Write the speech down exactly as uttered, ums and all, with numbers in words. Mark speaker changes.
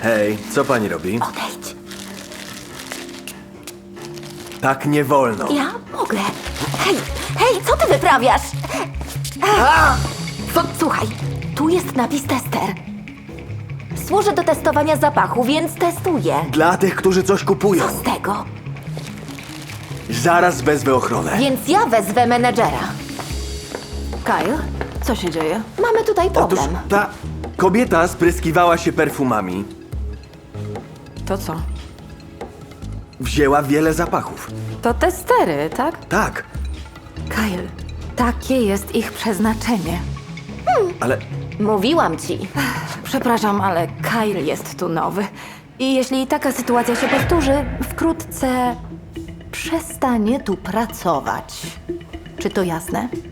Speaker 1: Hej, co pani robi?
Speaker 2: Odejdź.
Speaker 1: Tak nie wolno.
Speaker 2: Ja mogę. Hej, hej, co ty wyprawiasz? Co? Słuchaj, tu jest napis tester. Służy do testowania zapachu, więc testuję.
Speaker 1: Dla tych, którzy coś kupują.
Speaker 2: Co z tego?
Speaker 1: Zaraz wezwę ochronę.
Speaker 2: Więc ja wezwę menedżera.
Speaker 3: Kyle, co się dzieje?
Speaker 2: Mamy tutaj
Speaker 1: Otóż
Speaker 2: problem.
Speaker 1: ta kobieta spryskiwała się perfumami.
Speaker 3: To co?
Speaker 1: Wzięła wiele zapachów.
Speaker 3: To testery, tak?
Speaker 1: Tak,
Speaker 3: Kyle, takie jest ich przeznaczenie.
Speaker 1: ale
Speaker 2: Mówiłam ci.
Speaker 3: Przepraszam, ale Kyle jest tu nowy. I jeśli taka sytuacja się powtórzy, wkrótce przestanie tu pracować. Czy to jasne?